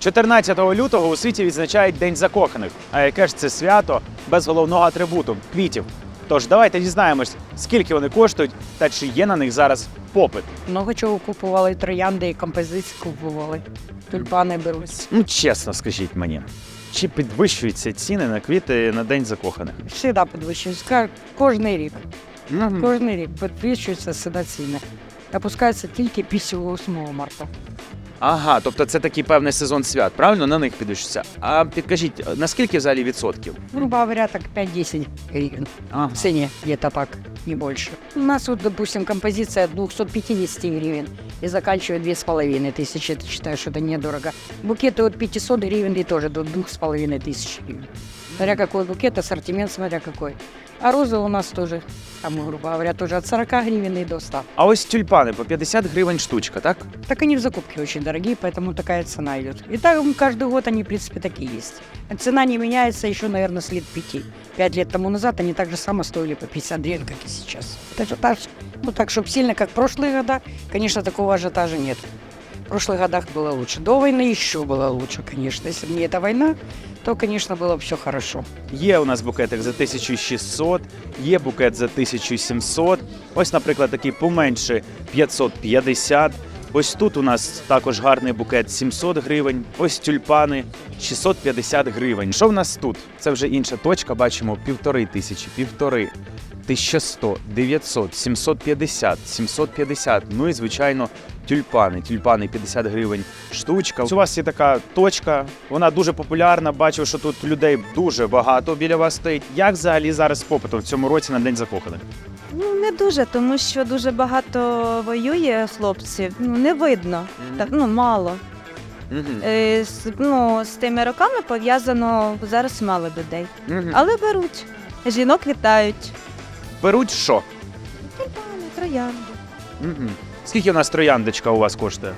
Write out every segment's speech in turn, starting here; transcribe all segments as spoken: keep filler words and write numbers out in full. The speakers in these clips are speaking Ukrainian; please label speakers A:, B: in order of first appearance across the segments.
A: чотирнадцятого лютого у світі відзначають День закоханих. А яке ж це свято без головного атрибуту – квітів? Тож давайте дізнаємось, скільки вони коштують та чи є на них зараз попит.
B: Много чого купували, троянди і композиції купували. Тюльпани беруть.
A: Ну, чесно скажіть мені, чи підвищуються ціни на квіти на День закоханих?
B: Всегда підвищуються. Кожний рік.
A: Мгм.
B: Кожний рік підвищуються всегда ціни. Опускаються тільки після восьмого марта.
A: Ага, тобто це такий певний сезон свят, правильно? На них підвищується. А підкажіть, наскільки взагалі відсотків?
B: Грубо говоря, так пять-десять гривен.
A: Ага.
B: В цене где-то так, не больше. У нас вот, допустим, композиция от двухсот пятидесяти гривен и заканчивает две с половиной тысячи. Ты считаешь, что это недорого. Букеты от пятисот гривен и тоже до двух с половиной тысяч гривен. Смотря какой букет, ассортимент смотря какой. А розы у нас тоже, там, грубо говоря, тоже от сорока гривен и до ста.
A: А ось тюльпани по п'ятдесят гривень штучка, так?
B: Так они в закупке очень дорогие, поэтому такая цена идет. И так каждый год они, в принципе, такие есть. Цена не меняется еще, наверное, с лет пяти. Пять лет тому назад они так же само стоили по пятьдесят гривен, как и сейчас. Это же так, ну так, чтобы сильно, как в прошлые года, конечно, такого ажиотажа нет. В прошлых годах было лучше. До войны еще было лучше, конечно. Если бы не эта война, то, конечно, было бы все хорошо.
A: Є у нас букетик за тисячу шістсот, є букет за тисячу сімсот. Ось, наприклад, такий поменше п'ятсот п'ятдесят. Ось тут у нас також гарний букет сімсот гривень. Ось тюльпани шістсот п'ятдесят гривень. Що в нас тут? Це вже інша точка, бачимо півтори тисячі, півтори. тисяча сто, дев'ятсот, сімсот п'ятдесят, сімсот п'ятдесят, ну і, звичайно, тюльпани. Тюльпани п'ятдесят гривень штучка. У вас є така точка, вона дуже популярна, бачу, що тут людей дуже багато біля вас стоїть. Як взагалі зараз з попитом в цьому році на День закоханих?
C: Ну, не дуже, тому що дуже багато воює хлопців. Ну, не видно, так, ну, мало.
A: Мгм.
C: Е, з, ну, з тими роками пов'язано зараз мало людей.
A: Мгм.
C: Але беруть. Жінок вітають.
A: Беруть що?
C: Тюльпани, троянди.
A: Мгм. Скільки у нас трояндочка у вас коштує?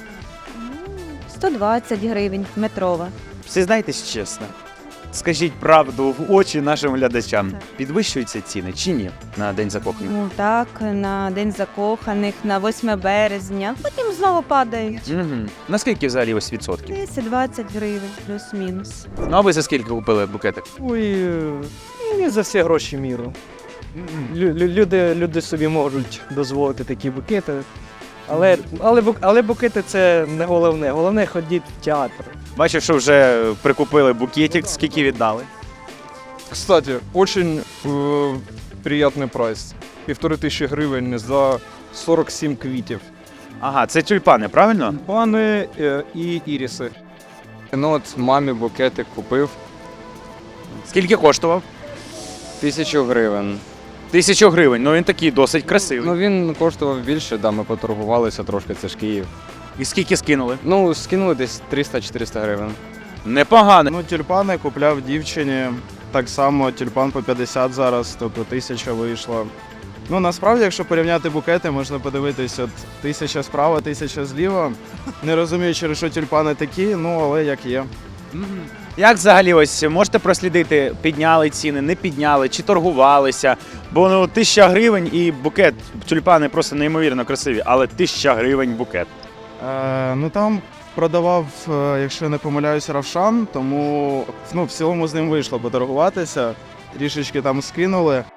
C: Ну, сто двадцять гривень метрова.
A: Всі знаєтесь чесно. Скажіть правду в очі нашим глядачам.
C: Так.
A: Підвищуються ціни чи ні на День закоханих?
C: Ну так, на День закоханих, на восьме березня. Потім знову падають.
A: Угу. Наскільки взагалі ось відсотків?
C: десять-двадцять гривень, плюс-мінус.
A: Ну а ви за скільки купили букетик?
D: Ой, е, не за всі гроші міру. Лю- лю- Люди, люди собі можуть дозволити такі букети. Але, але, бук- але букети це не головне. Головне ходіть в театр.
A: Бачив, що вже прикупили букетик, скільки віддали?
E: Кстати, очень э, приятный прайс. Півтори тисячі гривень за сорок сім квітів.
A: Ага, це тюльпани, правильно?
E: Пани е, і іріси. Ну от мамі букетик купив.
A: Скільки коштував?
F: Тисячу гривень.
A: Тисячу гривень, ну він такий досить красивий.
F: Ну він коштував більше, да, ми поторгувалися трошки, це ж Київ.
A: І скільки скинули?
F: Ну, скинули десь триста-чотириста гривень.
A: Непогано.
G: Ну, тюльпани купляв дівчині. Так само тюльпан по п'ятдесят зараз, тобто тисяча вийшла. Ну, насправді, якщо порівняти букети, можна подивитись, от тисяча справа, тисяча зліва. Не розумію, через що тюльпани такі, ну, але як є.
A: Мгм. Як взагалі ось можете прослідити, підняли ціни, не підняли, чи торгувалися? Бо ну тисяча гривень і букет, тюльпани просто неймовірно красиві, але тисяча гривень букет.
G: Е, ну, там продавав, е, якщо не помиляюсь, Равшан, тому ну, в цілому з ним вийшло поторгуватися. Трішечки там скинули.